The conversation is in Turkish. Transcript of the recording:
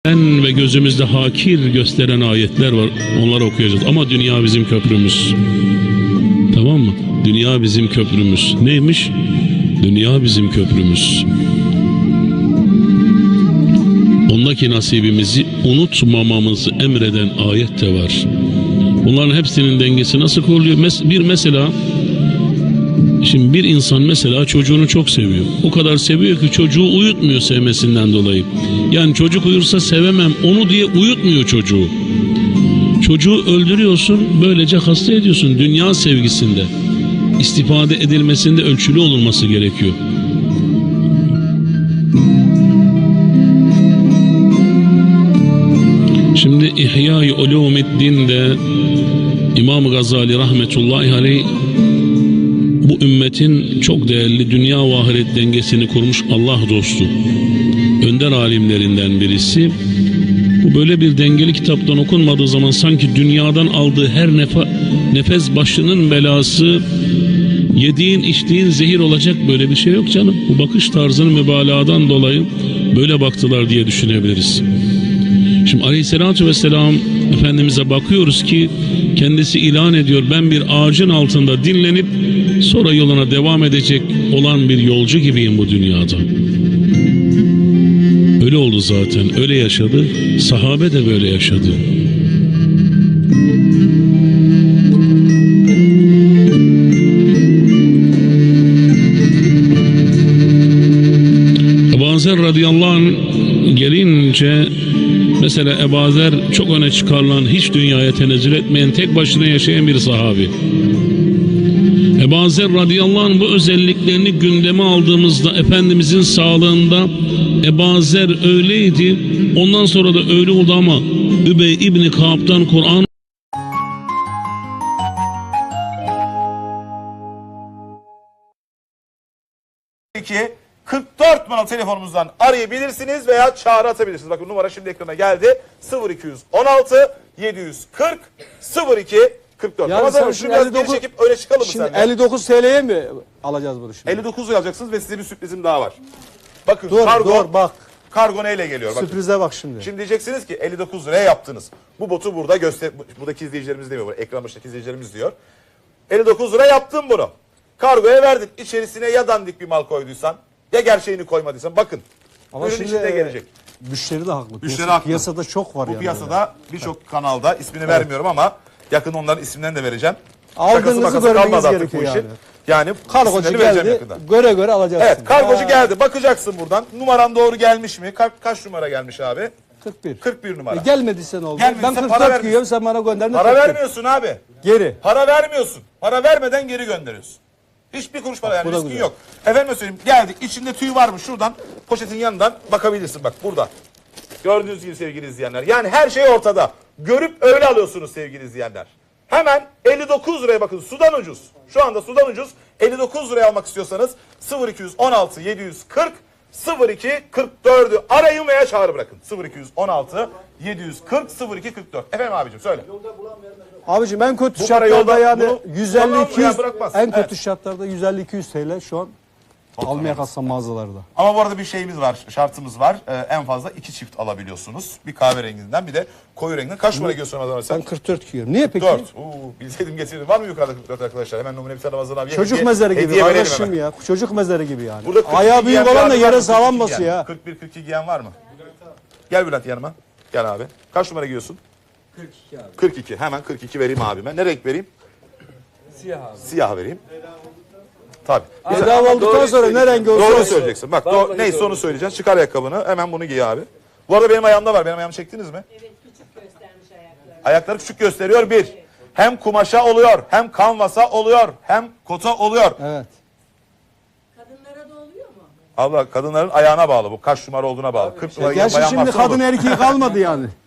Ve gözümüzde hakir gösteren ayetler var. Onları okuyacağız. Ama dünya bizim köprümüz. Tamam mı? Dünya bizim köprümüz. Neymiş? Dünya bizim köprümüz. Ondaki nasibimizi unutmamamızı emreden ayet de var. Bunların hepsinin dengesi nasıl kuruluyor? Şimdi bir insan mesela çocuğunu çok seviyor. O kadar seviyor ki çocuğu uyutmuyor sevmesinden dolayı. Yani çocuk uyursa sevemem onu diye uyutmuyor çocuğu. Çocuğu öldürüyorsun, böylece hasta ediyorsun. Dünya sevgisinde, istifade edilmesinde ölçülü olunması gerekiyor. Şimdi İhya-i Ulûmiddin'de İmam Gazali rahmetullahi aleyh bu ümmetin çok değerli dünya ve ahiret dengesini kurmuş Allah dostu, önder alimlerinden birisi. Bu böyle bir dengeli kitaptan okunmadığı zaman sanki dünyadan aldığı her nefes başının belası, yediğin içtiğin zehir olacak, böyle bir şey yok canım. Bu bakış tarzının mübalağadan dolayı böyle baktılar diye düşünebiliriz. Şimdi Aleyhisselatü Vesselam Efendimiz'e bakıyoruz ki kendisi ilan ediyor, ben bir ağacın altında dinlenip sonra yoluna devam edecek olan bir yolcu gibiyim bu dünyada. Öyle oldu zaten, öyle yaşadı, sahabe de böyle yaşadı. Ebu Zer radıyallahu anh gelince, mesela Ebu Zer çok öne çıkarılan, hiç dünyaya tenezzül etmeyen, tek başına yaşayan bir sahabi. Ebu Zer radıyallahu anh bu özelliklerini gündeme aldığımızda Efendimizin sağlığında Ebu Zer öyleydi, ondan sonra da öyle oldu ama Übey İbni Kâb'dan Kur'an ki 44 numaralı telefonumuzdan arayabilirsiniz veya çağrı atabilirsiniz. Bakın numara şimdi ekrana geldi. 0216 740 02 44. Yani Ramazan şunu biraz geri çekip öyle çıkalım mı şimdi seninle? 59 TL'ye mi alacağız bunu şimdi? 59 lira alacaksınız ve size bir sürprizim daha var. Bakın Dur bak. Kargo neyle geliyor? Bakın. Sürprize bak şimdi. Şimdi diyeceksiniz ki 59 liraya yaptınız. Bu botu burada buradaki izleyicilerimiz demiyor. Ekran başındaki izleyicilerimiz diyor. 59 lira yaptın bunu. Kargoya verdin. İçerisine ya dandik bir mal koyduysan ya gerçeğini koymadıysan bakın. Ama ürün şimdi içinde gelecek. Müşteri de haklı. Müşteri haklı. Piyasada çok var Bu yani. piyasada birçok kanalda ismini vermiyorum ama yakın onların isimlerini de vereceğim. Aldığınızı Şakası görmeniz kalmadı artık gerekiyor bu işin. yani. Yani Kargocu isimlerini vereceğim geldi, yakında. göre alacaksın. Evet, kargocu geldi. Bakacaksın buradan. Numaran doğru gelmiş mi? Kaç numara gelmiş abi? 41. 41 numara. Gelmediyse ne oldu? Gelmediyse Ben para 44 giyiyorum, sen bana gönderdin. Para 41. vermiyorsun abi. Geri. Para vermiyorsun. Para vermeden geri gönderiyorsun. Hiçbir kuruş para, yani bu da riskin güzel. yok. Efendim söyleyeyim, geldik. İçinde tüy var mı? Şuradan poşetin yanından bakabilirsin. Bak burada. Gördüğünüz gibi sevgili izleyenler. Yani her şey ortada. Görüp öyle alıyorsunuz sevgili izleyenler. Hemen 59 liraya bakın. Sudan ucuz. Şu anda sudan ucuz. 59 liraya almak istiyorsanız 0216 740 02 44'ü arayın veya çağrı bırakın. 0216 740 02 44. Efendim abicim söyle. Abicim en kötü Bu para şartlarda yolda, yani bunu 150-200 bırakmaz. en kötü Evet. şartlarda 150-200 TL şu an almaya kalksam mağazalarda. Ama bu arada bir şeyimiz var, şartımız var. En fazla 2 çift alabiliyorsunuz. Bir kahverenginden bir de koyu renginden. Kaç numara giyiyorsun Ramazan sen? Ben 44 giyiyorum. Niye peki? 44. Bilseydim getirdim. Var mı yukarıda 44 arkadaşlar? Hemen numune bir tane Ramazan abi. Çocuk mezarı gibi hediye verelim kardeşim hemen. ya. Çocuk mezarı gibi yani. Burada 42 Ayağı büyük giyen olan da bir abi var yere mı? sağlam 42 basıyor giyen. ya. 41-42 giyen var mı? Gel Bülent yanıma. Gel abi. Kaç numara giyiyorsun? 42 abi. 42. Hemen 42 vereyim abime. Ne renk vereyim? Siyah abi. Siyah vereyim. Tabii. Güzel. Bedava olduktan sonra ne rengi olsa Doğru olsun. söyleyeceksin. Bak Vallahi neyse doğru. onu söyleyeceksin. Çıkar ayakkabını. Hemen bunu giy abi. Bu arada benim ayağımda var. Benim ayağımı çektiniz mi? Evet, küçük göstermiş ayakları. Ayakları küçük gösteriyor bir. Hem kumaşa oluyor, hem kanvasa oluyor, hem kota oluyor. Evet. Kadınlara da oluyor mu? Abla kadınların ayağına bağlı bu. Kaç numara olduğuna bağlı. 40 numara giyen Gerçi bayan şimdi varsa kadın olur. erkeği kalmadı yani.